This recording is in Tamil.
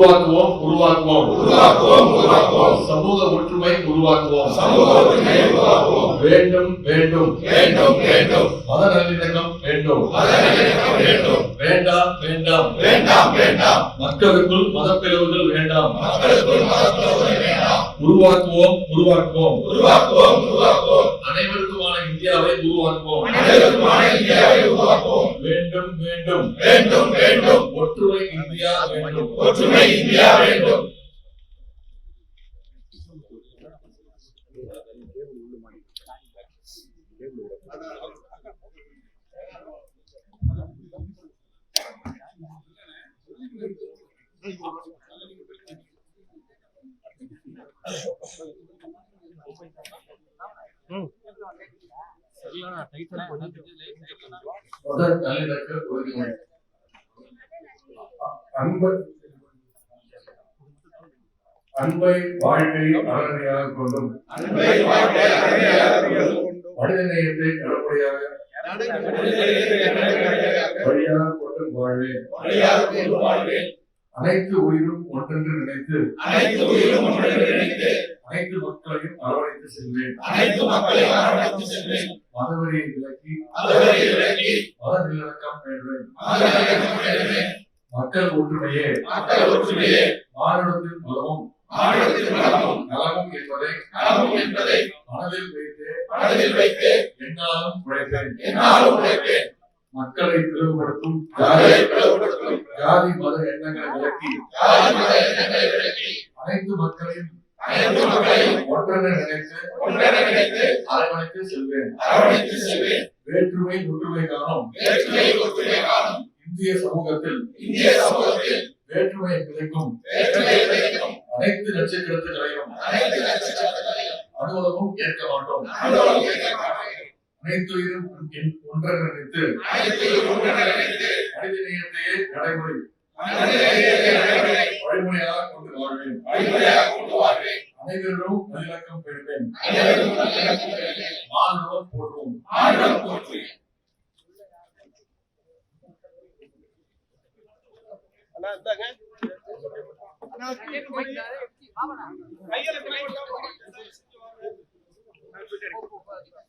உருவாக்குவோம் உருவாக்குவோம் உருவாக்குவோம் உருவாக்குவோம். சமூக ஒற்றுமை உருவாக்குவோம். சமூக ஒற்றுமை உருவாக்குவோம். வேண்டும் வேண்டும் வேண்டும் வேண்டும். மத நல்லிணக்கம் வேண்டும். மத நல்லிணக்கம் வேண்டும். வேண்டாம் வேண்டாம் வேண்டாம் வேண்டாம். மக்களுக்குள் மதப்பிளவுகள் வேண்டாம். மக்களுக்குள் மதப்பிளவுகள் வேண்டாம். உருவாக்குவோம் உருவாக்குவோம் உருவாக்குவோம் உருவாக்குவோம். அனைவருக்குமான இந்தியாவை உருவாக்குவோம். அனைவருக்குமான இந்தியாவை உருவாக்குவோம். வேண்டும் வேண்டும் வேண்டும் வேண்டும். ஒற்றுமை இந்தியா வேண்டும். ஒற்றுமை இந்தியா வேண்டும். முதல் நல்லிணக்க உறுதிமொழி. அன்பை வாழ்க்கை அறநிலையாக கொண்டும் மனிதநேயத்தை கடற்படையாக வழியாக கொண்டும் வாழ்வேன். அனைத்து உயிரும் ஒன்றென்று நினைத்து அனைத்து மக்களையும் அரவணைத்து செல்வேன். மதவெறியை விலக்கி மத நல்லிணக்கம் வேண்டுவேன். மக்கள் ஒற்றுமையே மானுடத்தின் பலமும் நலமும் என்பதை மனதில் வைத்து என்னாலும் உழைப்பேன். மக்களை பிளவுபடுத்தும் ஜாதி மத எண்ணங்களை விலக்கி அனைத்து மக்களையும் ஒன்றென நினைத்து அரவணைத்து செல்வேன். வேற்றுமை ஒற்றுமை காணும் இந்திய சமூகத்தில் வேற்றுமை விளைக்கும் அனைத்து நட்சத்திரங்களையும் அனுபவமும் ஏற்க மாட்டோம். அனைத்துயிரும் ஒன்றென நினைத்து மனிதநேயத்தையே வழிமுறையாக கொண்டு வாழ்வேன். அனைவரும் நல்லிணக்கம் பெறுவேன். மாணவம் போற்றுவோம். கையில